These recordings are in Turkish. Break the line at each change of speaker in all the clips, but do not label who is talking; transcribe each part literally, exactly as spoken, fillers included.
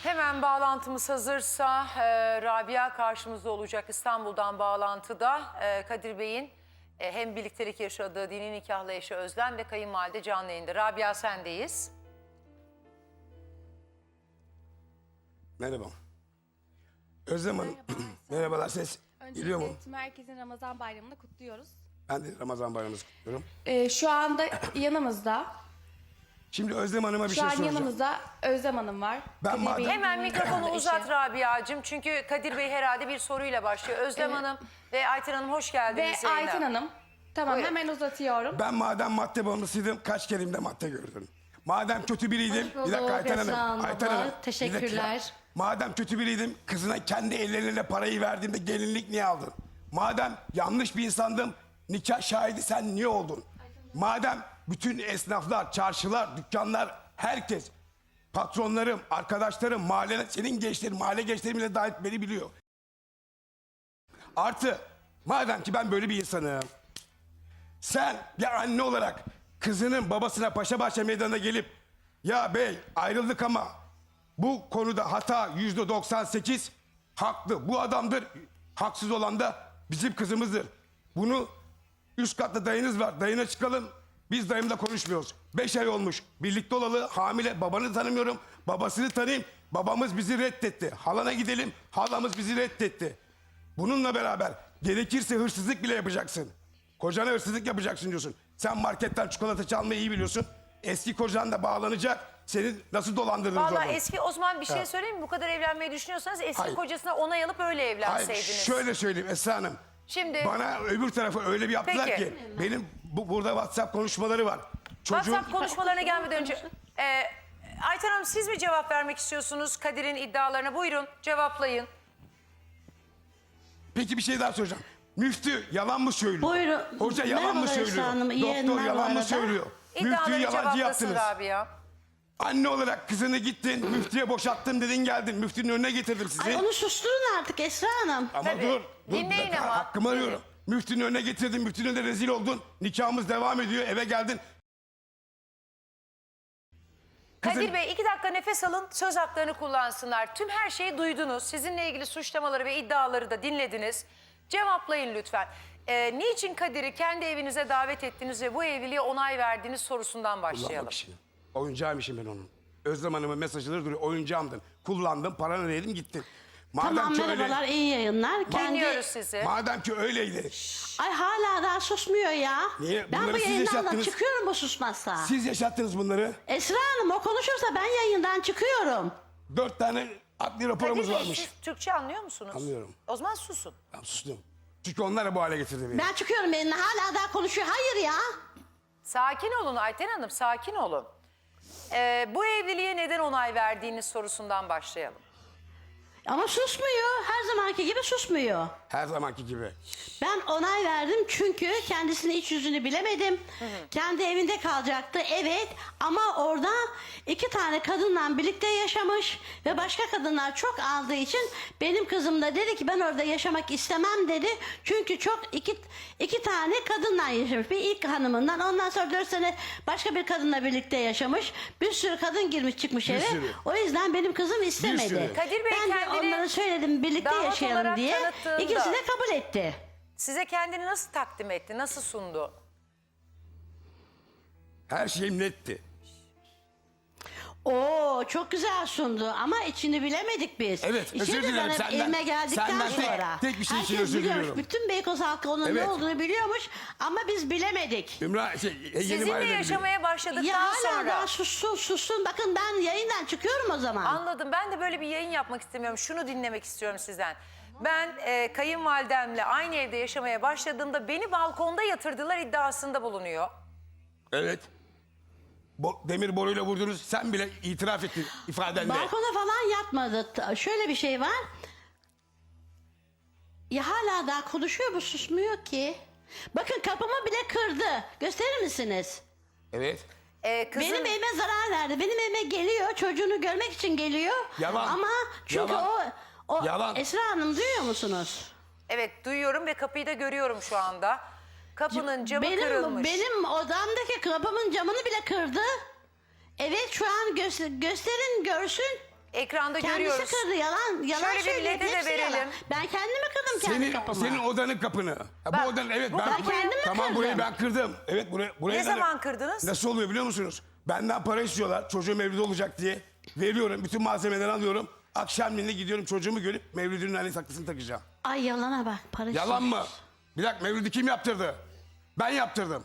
Hemen bağlantımız hazırsa e, Rabia karşımızda olacak İstanbul'dan bağlantıda. E, Kadir Bey'in e, hem birliktelik yaşadığı dini nikahlı eşi Özlem ve kayınvalide canlı yayında. Rabia sendeyiz.
Merhaba. Özlem Hanım. Merhabalar, ses geliyor mu?
Öncelikle merkezin Ramazan bayramını kutluyoruz.
Ben de Ramazan bayramınızı kutluyorum.
Ee, şu anda yanımızda,
Şimdi Özlem Hanım'a bir
şu
şey
an
soracağım.
yanımızda Özlem Hanım var.
Ben
Kadir
madem-
Bey'in
Hemen
dini
mikrofonu
nikahlı
uzat
eşi.
Rabia'cığım. Çünkü Kadir Bey herhalde bir soruyla başlıyor. Özlem
Evet.
Hanım ve Ayten Hanım hoş geldiniz.
Ve
yayına.
Ayten Hanım. Tamam,
Buyurun.
hemen uzatıyorum.
Ben madem madde bağımlısıydım, kaç kerimde madde gördüm. Madem kötü biriydim,
Hoş
bir dakika
bulduk
Ayten
Esra
Hanım.
Hanım.
Ayten Hanım. bir
Teşekkürler.
dakika. Madem kötü biriydim, kızına kendi elleriyle parayı verdiğimde gelinlik niye aldın? Madem yanlış bir insandım, nikah şahidi sen niye oldun? Madem bütün esnaflar, çarşılar, dükkanlar, herkes, patronlarım, arkadaşlarım, mahalle, senin gençlerin, mahalle gençlerim bile dahil beni biliyor. Artı, madem ki ben böyle bir insanım, sen bir anne olarak kızının babasına Paşabahçe Meydanı'na gelip ya bey ayrıldık ama bu konuda hata yüzde doksan sekiz haklı. Bu adamdır. Haksız olan da bizim kızımızdır. Bunu üst katta dayınız var. Dayına çıkalım. Biz dayımla konuşmuyoruz. Beş ay olmuş. Birlikte olalı hamile. Babanı tanımıyorum. Babasını tanıyayım. Babamız bizi reddetti. Halana gidelim. Halamız bizi reddetti. Bununla beraber gerekirse hırsızlık bile yapacaksın. Kocana hırsızlık yapacaksın diyorsun. Sen marketten çikolata çalmayı iyi biliyorsun. Eski kocan da bağlanacak. Seni nasıl dolandırdınız
Vallahi
orada?
eski o zaman bir şey
Ha.
söyleyeyim mi? Bu kadar evlenmeyi düşünüyorsanız eski
Hayır.
kocasına onay alıp öyle
Hayır,
evlenseydiniz.
şöyle söyleyeyim Esra Hanım.
Şimdi-
Bana öbür tarafı öyle bir yaptılar
Peki.
ki benim bu, burada WhatsApp konuşmaları var. Çocuğun
WhatsApp konuşmalarına gelmeden önce e, Ayten Hanım siz mi cevap vermek istiyorsunuz Kadir'in iddialarına? Buyurun cevaplayın.
Peki bir şey daha soracağım. Müftü yalan mı söylüyor?
Buyurun.
Hoca yalan mı
Merhabalar
söylüyor?
Esra Hanım, iyi
Doktor
yayınlar bu
yalan mı
arada.
söylüyor? Müftüyü
İddiaları
yalancı
cevaplasın
yaptınız.
Rabia.
Anne olarak kızını gittin, müftüye boşattım dedin geldin. Müftünün önüne getirdim sizi.
Ay onu susturun artık Esra Hanım.
Ama
Tabii.
dur, dur bir
Dinleyin
dakika,
ama.
hakkımı arıyorum. Müftünün önüne getirdin, müftünün önünde rezil oldun. Nikahımız devam ediyor, eve geldin. Kızın-
Kadir Bey iki dakika nefes alın, söz haklarını kullansınlar. Tüm her şeyi duydunuz. Sizinle ilgili suçlamaları ve iddiaları da dinlediniz. Cevaplayın lütfen. Ee, niçin Kadir'i kendi evinize davet ettiniz ve bu evliliğe onay verdiğiniz sorusundan başlayalım.
Kullanmak için. Oyuncağıymışım ben onun. Özlem Hanım'ın mesajları duruyor. Oyuncağımdın. Kullandım, paranı verdim, gittin. Madem
Tamam
ki
merhabalar,
öyle,
iyi yayınlar.
Dinliyoruz sizi.
madem ki öyleydi.
Ay hala daha susmuyor ya.
Niye?
Ben
Bunları
bu
siz
yayından da
yaşattınız.
çıkıyorum bu susmazsa.
Siz yaşattınız bunları.
Esra Hanım o konuşursa ben yayından çıkıyorum.
Dört tane adli raporumuz
Kadir Bey
varmış.
siz Türkçe anlıyor musunuz?
Anlıyorum.
O zaman susun.
Ben sustum. Çünkü onlar da bu hale getirdi beni.
Ben çıkıyorum yayından, hala daha konuşuyor. Hayır ya.
Sakin olun Ayten Hanım, sakin olun. Ee, bu evliliğe neden onay verdiğiniz sorusundan başlayalım.
Ama susmuyor. Her zamanki gibi susmuyor.
Her zamanki gibi.
Ben onay verdim çünkü kendisinin iç yüzünü bilemedim. Kendi evinde kalacaktı, evet, ama orada iki tane kadınla birlikte yaşamış ve başka kadınlar çok aldığı için benim kızım da dedi ki ben orada yaşamak istemem dedi. Çünkü çok iki, iki tane kadınla yaşamış. Bir ilk hanımından, ondan sonra dört sene başka bir kadınla birlikte yaşamış. Bir sürü kadın girmiş çıkmış
Bir
eve.
sürü.
O yüzden benim kızım istemedi.
sürü.
Kadir Bey
ben de
kendini
onlara söyledim birlikte
damat
yaşayalım
olarak
diye.
tanıttığında-
İkisi de kabul etti.
Size kendini nasıl takdim etti, nasıl sundu?
Her şeyim netti.
Oo çok güzel sundu ama içini bilemedik biz.
Evet,
İçini
özür
de
dilerim
ben hep
senden.
Evime geldikten
Senden tek-
sonra.
tek bir şey için
herkes
özür
biliyormuş,
diliyorum.
bütün Beykoz halkı onun
Evet.
ne olduğunu biliyormuş ama biz bilemedik.
Ümra, şey, yeni
Sizinle
mahalleleri
yaşamaya başladıktan
Ya hala
sonra...
daha sussun sussun, bakın ben yayından çıkıyorum o zaman.
Anladım. Ben de böyle bir yayın yapmak istemiyorum. Şunu dinlemek istiyorum sizden. Ben e, kayınvalidemle aynı evde yaşamaya başladığımda beni balkonda yatırdılar iddiasında bulunuyor.
Evet. Bo demir boruyla vurdunuz. Sen bile itiraf ettin ifadende.
Balkona falan yatmadı. T- Şöyle bir şey var. Ya hala daha konuşuyor, bu susmuyor ki. Bakın kapımı bile kırdı. Gösterir misiniz?
Evet.
E, kızın...
Benim evime zarar verdi. Benim evime geliyor. Çocuğunu görmek için geliyor.
Yalan.
Ama çünkü
Yalan.
o o
Yalan.
Esra Hanım duyuyor musunuz?
Evet duyuyorum ve kapıyı da görüyorum şu anda. Kapının camı
benim
kırılmış.
benim odamdaki kapımın camını bile kırdı. Evet şu an göster- gösterin görsün.
Ekranda
Kendisi
görüyoruz.
kırdı, yalan yalan
Şöyle bir
söylüyor.
lede de
Hepsi
verelim.
yalan. Ben kendimi kırdım kendi
Senin,
kapımı.
senin odanın kapını. Ha,
Bak,
bu odanın evet
bu
ben
kapıyı-
Ben kendimi
tamam
kırdım.
burayı ben kırdım. Evet buraya buraya
Ne
da-
zaman kırdınız?
Nasıl oluyor biliyor musunuz? Benden para istiyorlar. Çocuğum Mevlüt'e olacak diye. Veriyorum. Bütün malzemeleri alıyorum. Akşamleyin gidiyorum çocuğumu görüp Mevlüt'ün anne saklısını takacağım.
Ay yalana bak. Para
Yalan mı?
istiyormuş.
Bir dakika Mevlüt'ü kim yaptırdı? Ben yaptırdım.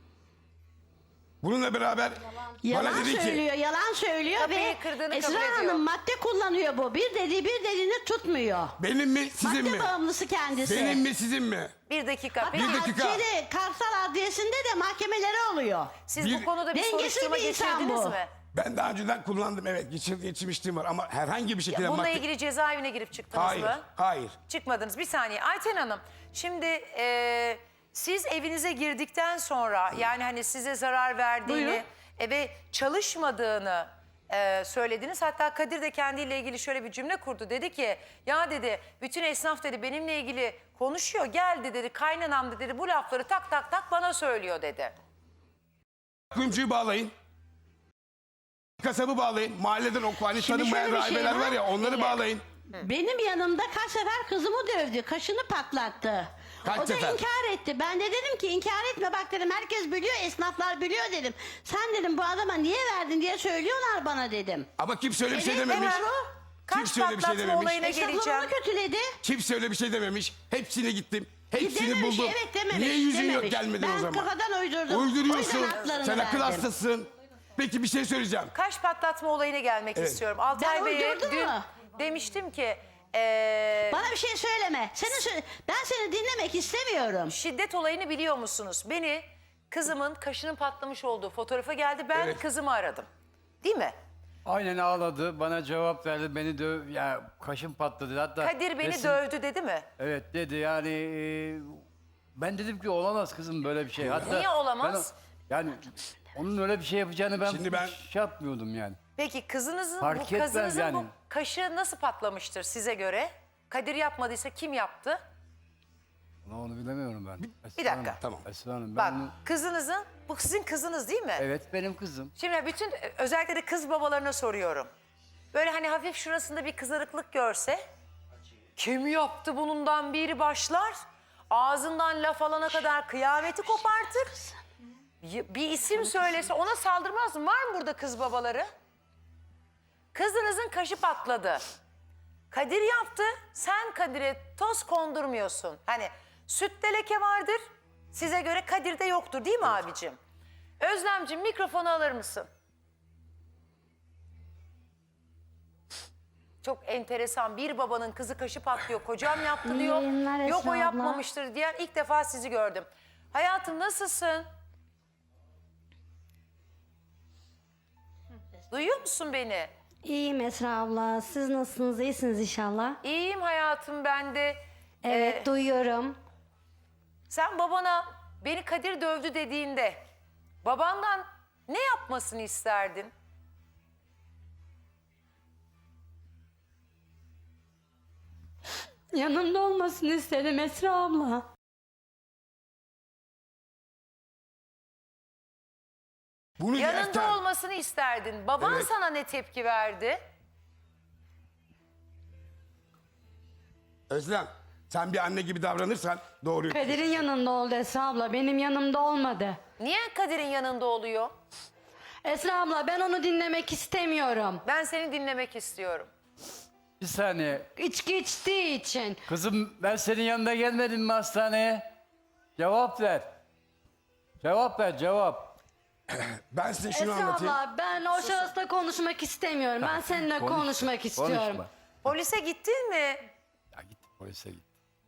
Bununla beraber
Yalan
bana dedi ki
söylüyor, yalan söylüyor
Kapıyı
ve
kırdığını
Esra
kabul ediyor.
Hanım madde kullanıyor bu. Bir dediği bir dediğini tutmuyor.
benim mi sizin
Madde
mi?
bağımlısı kendisi.
Benim mi sizin mi?
Bir dakika.
Hatta
Peki
Bir dakika.
Şeyde, Karsal Adliyesi'nde de mahkemeleri oluyor.
siz
bir-
bu konuda bir
Dengesiz
soruşturma
bir insan
geçirdiniz
bu.
mi?
Ben daha önceden kullandım evet geçir, geçirmişliğim var ama herhangi bir şekilde
Bununla
madde-
ilgili cezaevine girip çıktınız
Hayır,
mı?
hayır.
Çıkmadınız. Bir saniye. Ayten Hanım, şimdi e, siz evinize girdikten sonra yani hani size zarar verdiğini
Buyurun.
e, ve çalışmadığını e, söylediniz. Hatta Kadir de kendiyle ilgili şöyle bir cümle kurdu. Dedi ki ya dedi bütün esnaf dedi benimle ilgili konuşuyor. Geldi dedi kaynanam da dedi bu lafları tak tak tak bana söylüyor dedi.
Kuyumcuyu bağlayın. Kasabı bağlayın. Mahalleden o hani
Şimdi
tanınmayan
şöyle bir şey
rahibeler
var.
var ya onları
Dinle.
bağlayın.
Benim yanımda kaç sefer kızımı dövdü, kaşını patlattı.
Kaç
o da
sefer?
inkar etti. Ben de dedim ki inkar etme bak dedim herkes biliyor, esnaflar biliyor dedim. Sen dedim bu adama niye verdin diye söylüyorlar bana dedim.
Ama kimse öyle bir şey
Evet,
dememiş.
hemen o.
Kaç
Kimse öyle bir şey
patlatma
dememiş.
olayına
Esnaflar
geleceğim.
onu kötüledi.
Kimse öyle bir şey dememiş. Hepsine gittim. Hepsini
Dememiş,
buldum.
evet dememiş.
Niye yüzün yok
dememiş.
gelmedin
ben
o zaman?
kafadan uydurdum. O
Uyduruyorsun.
yüzden haklarını
Sen akıl
verdim.
hastasın. Peki bir şey söyleyeceğim.
Kaş patlatma olayına gelmek
Evet.
istiyorum. Altay
Ben
Bey'e
uydurdum
dün
mu?
demiştim ki e,
Bana bir şey söyleme. Seni sö- ben seni dinlemek istemiyorum.
şiddet olayını biliyor musunuz? Beni kızımın kaşının patlamış olduğu fotoğrafa geldi. Ben
Evet.
kızımı aradım. Değil mi?
Aynen ağladı. Bana cevap verdi. Beni döv... Ya kaşım patladı. Hatta
Kadir beni
resim-
dövdü dedi mi?
Evet dedi yani... e, ben dedim ki olamaz kızım böyle bir şey. Hatta
Niye olamaz?
ben o- yani onun öyle bir şey yapacağını ben,
Şimdi ben-
hiç şey yapmıyordum yani.
Peki kızınızın
Fark
bu
etmez
kızınızın
yani.
bu kaşı nasıl patlamıştır size göre? Kadir yapmadıysa kim yaptı?
Onu, onu bilemiyorum ben. Esra
dakika.
Hanım,
Tamam.
Esra Hanım,
Bak
ben onu-
kızınızın, bu sizin kızınız değil mi?
Evet benim kızım.
Şimdi bütün özellikle de kız babalarına soruyorum. Böyle hani hafif şurasında bir kızarıklık görse kim yaptı bundan biri başlar. Ağzından laf alana kadar kıyameti kopartır. Y- Bir isim söylese ona saldırmaz mı? Var mı burada kız babaları? Kızınızın kaşı patladı. Kadir yaptı. Sen Kadir'e toz kondurmuyorsun. Hani sütte leke vardır. Size göre Kadir'de yoktur değil mi abicim? Özlemciğim mikrofonu alır mısın? Çok enteresan. Bir babanın kızı kaşı patlıyor. Kocam yaptı diyor.
yayınlar Esra
Yok o
abla.
yapmamıştır diyen ilk defa sizi gördüm. Hayatım nasılsın? Duyuyor musun beni?
İyiyim Esra abla. Siz nasılsınız? İyisiniz inşallah.
İyiyim hayatım ben de.
Evet,
Ee,
duyuyorum.
Sen babana beni Kadir dövdü dediğinde babandan ne yapmasını isterdin?
Yanımda olmasını istedim Esra abla.
Bunu
Yanında
yerken
olmasını isterdin. Baban
Evet.
sana ne tepki verdi?
Özlem sen bir anne gibi davranırsan doğru.
Kadir'in yanında oldu Esra abla. Benim yanımda olmadı.
Niye Kadir'in yanında oluyor?
Esra abla ben onu dinlemek istemiyorum.
Ben seni dinlemek istiyorum.
Bir saniye.
İçki içtiği için.
Kızım ben senin yanında gelmedim mi hastaneye? Cevap ver. Cevap ver cevap.
Ben size şunu
Esra
anlatayım.
abla ben o şahısla konuşmak istemiyorum. Ben seninle
Konuş-
konuşmak istiyorum.
Konuşma.
Polise gittin mi?
Ya git polise git.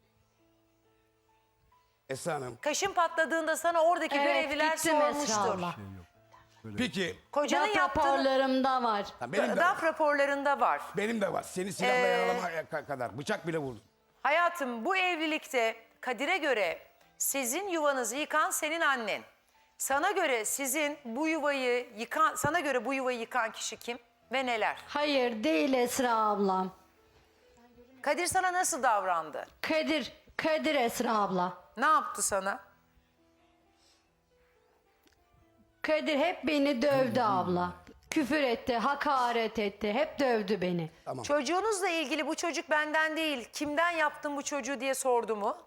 Esra Hanım
Kaşın patladığında sana oradaki
Evet,
görevliler
gittim Esra
sormuştur.
abla.
peki
Kocanın
DAP
yaptığını
raporlarımda var.
ha, benim de,
DAF raporlarında var.
benim de var. Seni silahla
Ee,
yaralamaya ka- kadar bıçak bile vurdum.
Hayatım bu evlilikte Kadir'e göre sizin yuvanızı yıkan senin annen. Sana göre sizin bu yuvayı yıkan, sana göre bu yuvayı yıkan kişi kim ve neler?
Hayır değil Esra ablam.
Kadir sana nasıl davrandı?
Kadir, Kadir Esra abla.
Ne yaptı sana?
Kadir hep beni dövdü abla.
küfür etti, hakaret etti. Hep dövdü beni.
Çocuğunuzla ilgili bu çocuk benden değil, kimden yaptın bu çocuğu diye sordu mu?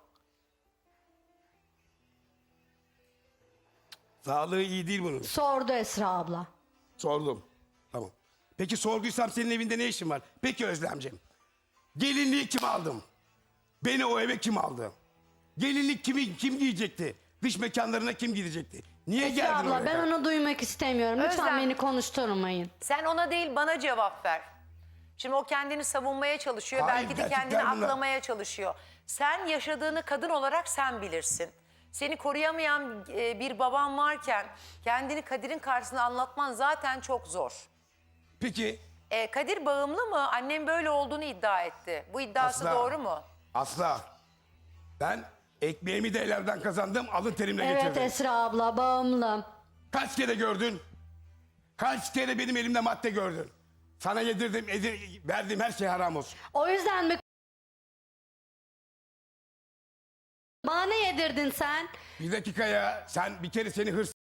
Sağlığı iyi değil bunun.
Sordu Esra abla.
Sordum. Tamam. Peki sorduysam senin evinde ne işin var? Peki Özlemciğim. Gelinliği kim aldım? Beni o eve kim aldı? Gelinlik kimi, kim giyecekti? Dış mekanlarına kim gidecekti? Niye
Esra
geldin
abla
oraya?
ben onu duymak istemiyorum. Lütfen
Özlem.
beni konuşturmayın.
Sen ona değil bana cevap ver. Şimdi o kendini savunmaya çalışıyor.
Hayır,
belki de
gerçekten
kendini
bunlar-
aklamaya çalışıyor. Sen yaşadığını kadın olarak sen bilirsin. Seni koruyamayan e, bir baban varken kendini Kadir'in karşısında anlatman zaten çok zor.
Peki
E, Kadir bağımlı mı? Annem böyle olduğunu iddia etti. Bu iddiası
Asla.
doğru mu?
asla. Ben ekmeğimi de ellerden kazandım, alın terimle
Evet
getirdim.
Esra abla bağımlım.
Kaç kere gördün? Kaç kere benim elimde madde gördün? Sana yedirdim, edir, verdiğim her şey haram olsun.
O yüzden mi bana ne yedirdin sen?
Bir dakika ya, sen bir kere seni hırs...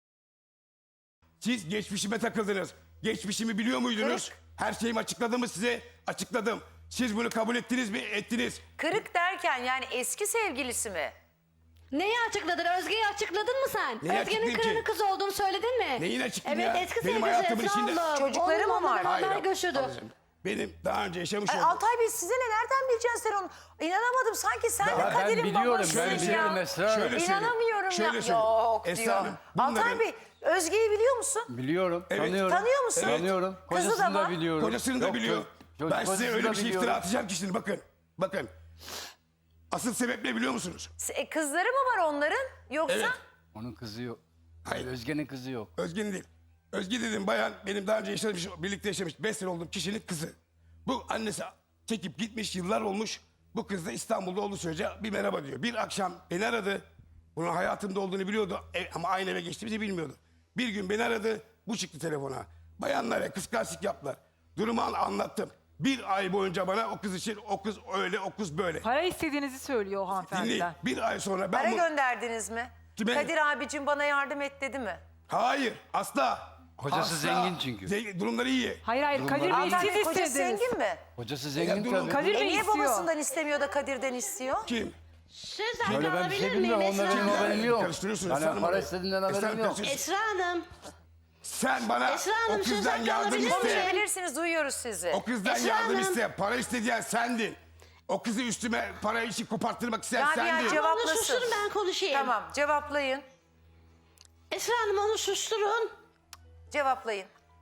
Siz geçmişime takıldınız. Geçmişimi biliyor muydunuz? Her şeyimi açıkladım mı size? Açıkladım. Siz bunu kabul ettiniz mi? Ettiniz.
Kırık derken yani eski sevgilisi mi?
Neyi açıkladın? Özge'yi açıkladın mı sen?
Neyi
Özge'nin
açıklayayım
kırını
ki?
kız olduğunu söyledin mi?
Neyin açıklayayım
evet,
ya?
eski
Benim
sevgilisi
hayatımın
Esra
içinde-
abla.
Çocukları mı
Onunla
var?
beraber
Hayır,
göçürdü.
ablacığım, benim daha önce yaşamış
Ay,
olduğum...
Altay Bey size ne? Nereden bileceksin sen onu? İnanamadım. Sanki sen de
Ya ben
Kadir'in
biliyorum,
babasısın
ben
ya.
biliyorum Esra Hanım.
Şöyle söyleyeyim,
İnanamıyorum
şöyle
ya.
söyleyeyim.
Yok
Esra
diyor.
Hanım,
Altay
bunların-
Bey Özge'yi biliyor musun?
Biliyorum,
Evet.
tanıyorum.
Tanıyor musun? Evet.
Tanıyorum.
Kızı da
Kocasını da,
var.
biliyorum.
Kocasını da
Yok,
biliyor.
çocuk-
Ben size
kocasını
öyle
da
bir şey
biliyorum.
iftira atacağım ki şimdi bakın. Bakın. Asıl sebep ne biliyor musunuz?
E, kızları mı var onların? Yoksa?
Evet.
Onun kızı yok.
Hayır.
Özge'nin kızı yok.
Özge'nin değil. Özge dedim bayan benim daha önce yaşamış, birlikte yaşamış beş sene olduğum kişinin kızı. Bu annesi çekip gitmiş yıllar olmuş. Bu kız da İstanbul'da olduğu sürece bir merhaba diyor. Bir akşam beni aradı. Bunun hayatımda olduğunu biliyordu e, ama aynı eve geçtiğimizi bilmiyordu. Bir gün beni aradı. Bu çıktı telefona. Bayanlara kıskançlık yaptılar. Durumu an- anlattım. Bir ay boyunca bana o kız için o kız öyle o kız böyle.
Para istediğinizi söylüyor o
Dinleyin.
hanımefendiler.
Bir ay sonra ben
Para
bu...
gönderdiniz mi?
Kime?
Kadir abicim bana yardım et dedi mi?
Hayır asla.
Kocası
Asla.
zengin çünkü.
Zengin- durumları iyi.
Hayır hayır Kadir Bey
Altay
siz
Bey kocası
istediniz.
zengin mi?
Kocası
Ya
zengin
durun.
tabii.
Kadir
E
Bey
niye
istiyor.
babasından istemiyor da Kadir'den istiyor?
Kim?
Sözden
Öyle ben bir
alabilir
şey
miyim
bilmiyorum.
Esra
Onda benim
Hanım?
haberim yok.
Karıştırıyorsunuz
Yani
Esra Hanım
para
orayı.
istediğinden
Esra
haberim
Hanım
yok.
karıştırıyorsunuz.
Esra Hanım.
Sen bana
Esra
o
Hanım,
kızdan
söz hakkı
yardım
alabilir
iste.
miyim?
Konuşabilirsiniz, duyuyoruz sizi.
O kızdan
Esra
yardım
Hanım.
iste. Para isteyen sendin. O kızı üstüme para işi koparttırmak isteyen
Rabia
sendin.
cevap-
Onu
Cevaplasın.
susturun ben konuşayım.
Tamam, cevaplayın.
Esra Hanım onu susturun.
Cevaplayın.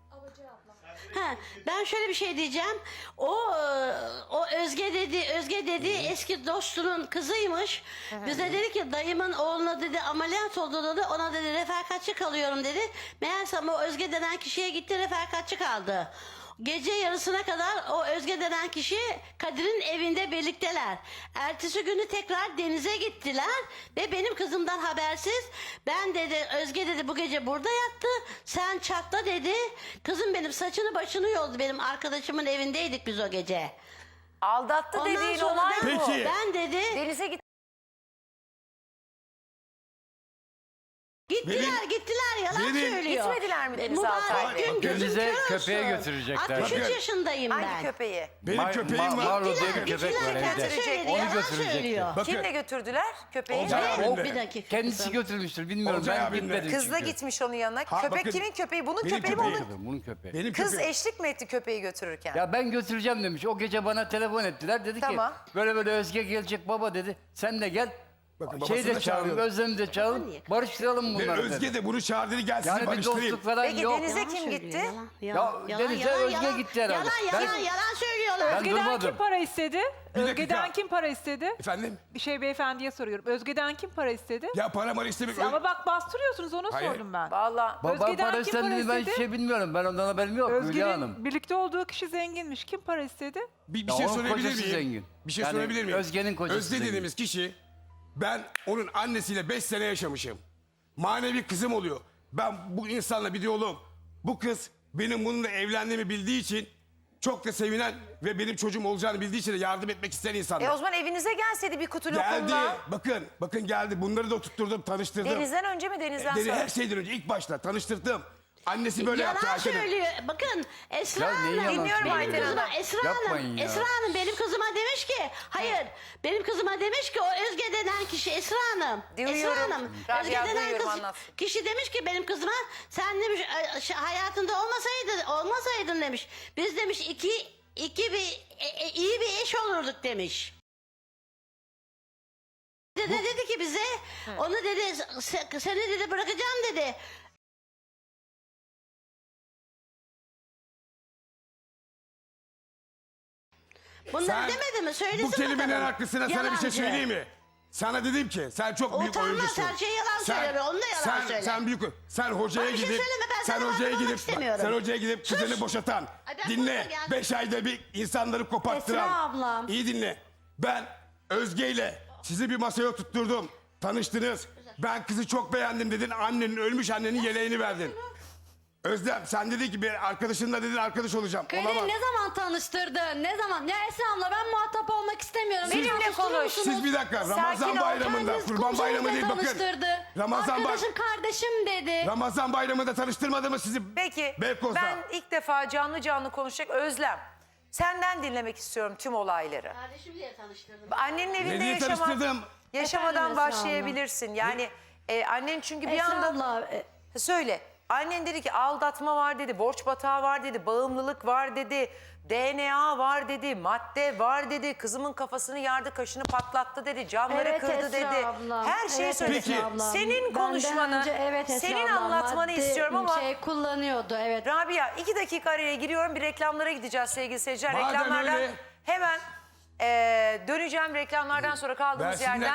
Ha, ben şöyle bir şey diyeceğim. O e, o Özge dedi, Özge dedi eski dostunun kızıymış. Bize dedi ki dayımın oğluna dedi ameliyat oldu dedi. Ona dedi refakatçi kalıyorum dedi. Meğersem o Özge denen kişiye gitti refakatçi kaldı. Gece yarısına kadar o Özge denen kişi Kadir'in evinde birlikteler. Ertesi günü tekrar denize gittiler ve benim kızımdan habersiz ben dedi Özge dedi bu gece burada yattı sen çatla dedi. Kızım benim saçını başını yoldu benim arkadaşımın evindeydik biz o gece.
Aldattı
Ondan
dediğin
sonra
olay
ben,
bu.
Peki.
ben dedi
Denize git.
gittiler
Benim-
gittiler yalan
benim-
söylüyor.
Gitmediler mi Deniz
Mübarek
Altay Bey?
gün gözüm
Denize
kör
köpeğe
olsun.
götürecekler.
altmış üç
Bakın.
yaşındayım
Hangi
ben.
köpeği?
Benim
Mar-
köpeğim
Mar-
var.
Marlo diye bir
Gittiler,
köpek var
gittiler,
evde.
kendisi söyledi,
Onu
yalan
götürecekler.
söylüyor.
Bakın.
Kimle götürdüler köpeği?
Olcay
Ne?
abimle.
O bir dakika.
Kendisi
kızım.
götürmüştür bilmiyorum.
Olcay
Ben
abimle.
gitmedim
Kızla
çünkü.
gitmiş onun yanına.
Ha,
Köpek
bakın,
kimin köpeği? Bunun
benim
köpeği mi
köpeğim.
onun?
Bunun köpeği.
Benim
Kız
köpeğim.
eşlik mi etti köpeği götürürken?
Ya ben götüreceğim demiş. O gece bana telefon ettiler. Dedi
Tamam.
ki böyle böyle Özge gelecek baba dedi. Sen de gel.
Bakın,
Şey
babasını
de
da
çağırın,
çağırıyor.
Özlem'i de çağırın.
Niye?
Barıştıralım
Ve
bunları
Özge
dedi.
de bunu çağırdı gel sizi
Yani bir
barıştırayım.
dostluk falan
Peki
yok.
Deniz'e
Yalan
kim
söylüyor,
gitti?
Yalan, yalan,
Ya
yalan,
Deniz'e
yalan,
Özge
yalan.
gitti herhalde.
Yalan
Ben-
yalan yalan söylüyorlar.
Ben
Özge'den
durmadım.
kim para istedi?
Bir dakika.
Özge'den kim para istedi?
Efendim?
Bir şey beyefendiye soruyorum. Özge'den kim para istedi?
Ya para mara istemek.
Ama bak bastırıyorsunuz onu
Hayır.
sordum ben.
Vallahi.
Baba
Özge'den
para
kim
istendiğini
para
ben hiç
istedi?
şey bilmiyorum. Ben ondan haberim yok Hülya Hanım.
Özge'nin birlikte olduğu kişi zenginmiş. Kim para istedi?
Bir, bir
Ya
şey
onun
sorabilir
kocası
miyim?
zengin.
Bir şey
Yani
sorabilir miyim?
Özge'nin kocası
Özge
zengin.
dediğimiz kişi ben onun annesiyle beş sene yaşamışım. Manevi kızım oluyor. Ben bu insanla bir diyalogum. Bu kız benim bununla evlendiğimi bildiği için çok da sevinen ve benim çocuğum olacağını bildiği için de yardım etmek isteyen insanlar.
E o zaman evinize gelseydi bir kutu
Geldi.
lokumla.
Bakın, bakın geldi. Bunları da oturtturdum, tanıştırdım.
Deniz'den önce mi Deniz'den
Deni
sonra?
her şeyden önce ilk başta tanıştırdım. Annesi böyle yaptı
Yalan
Ayten'e.
söylüyor. Bakın Esra
Ya neyi
Hanım.
yalan
Dinliyorum
benim
Ayten
kızıma,
Hanım.
Esra
Yapmayın
Hanım.
ya.
Esra Hanım benim kızıma demiş ki hayır. Benim kızıma demiş ki o Özge denen kişi Esra Hanım.
Duyuyorum.
Esra Hanım.
Rabia,
Özge denen
duyuyorum,
kız,
anlatsın.
kişi demiş ki benim kızıma sen demiş e, şey, hayatında olmasaydı olmasaydın demiş. Biz demiş iki iki bir e, e, iyi bir eş olurduk demiş. Dedi, dedi ki bize onu dedi "Se- seni dedi bırakacağım dedi. Bunları
Sen
demedi mi? Söylesin
bu kelimenin
bakalım.
haklısına sana bir şey
Yalancı.
söyleyeyim mi? Sana dedim ki sen çok büyük
Utanmaz,
oyuncusun.
her şey yalan söyler, onu da yalan
sen,
söyler.
Sen büyük sen hocaya
Bana bir şey
gidip
söyleme, ben
sen
sana
hocaya
muhatap
gidip
olmak istemiyorum.
sen hocaya gidip
Sus.
kızını boşatan.
Ay ben
Dinle.
burada geldim.
Beş ayda bir insanları koparttıran.
Esra abla.
İyi dinle. Ben Özge ile sizi bir masaya oturtturdum. Tanıştınız. Ben kızı çok beğendim dedin. Annenin ölmüş annenin yeleğini verdin. Özlem sen dedin ki bir arkadaşınla dedin arkadaş olacağım.
Kadir
Olamaz.
ne zaman tanıştırdın? Ne zaman? Ya Esra abla ben muhatap olmak istemiyorum. Beni
Benimle
tanıştırır
konuş.
mısınız?
Siz bir dakika
Sakin
Ramazan
ol,
bayramında
Kendiniz
Kurban
komşunuzla
bayramı değil bakın.
tanıştırdı.
Ramazan bay
Arkadaşım kardeşim dedi.
Ramazan bayramında tanıştırmadı mı sizi?
Peki
Beykoz'da.
ben ilk defa canlı canlı konuşacak Özlem. Senden dinlemek istiyorum tüm olayları.
Kardeşim diye tanıştırdım.
Annenin evinde
Ne diye
yaşama,
tanıştırdım?
yaşamadan
Efendim Esra abla.
başlayabilirsin. Yani e, annen çünkü bir
Esra
anda...
abla, e,
Söyle. Annen dedi ki aldatma var dedi, borç batağı var dedi, bağımlılık var dedi, D N A var dedi, madde var dedi, kızımın kafasını yardı, kaşını patlattı dedi, camları
Evet
kırdı
Esra
dedi.
abla.
Her şeyi
Evet
söyledi.
Esra
abla.
Senin
Benden
konuşmanı,
önce evet Esra
senin
abla,
anlatmanı
madde
istiyorum ama...
şey kullanıyordu evet.
Rabia iki dakika araya giriyorum, bir reklamlara gideceğiz sevgili seyirciler.
Madem
Reklamlardan
öyle-
hemen eee, döneceğim reklamlardan sonra kaldığımız
Versinler.
yerden.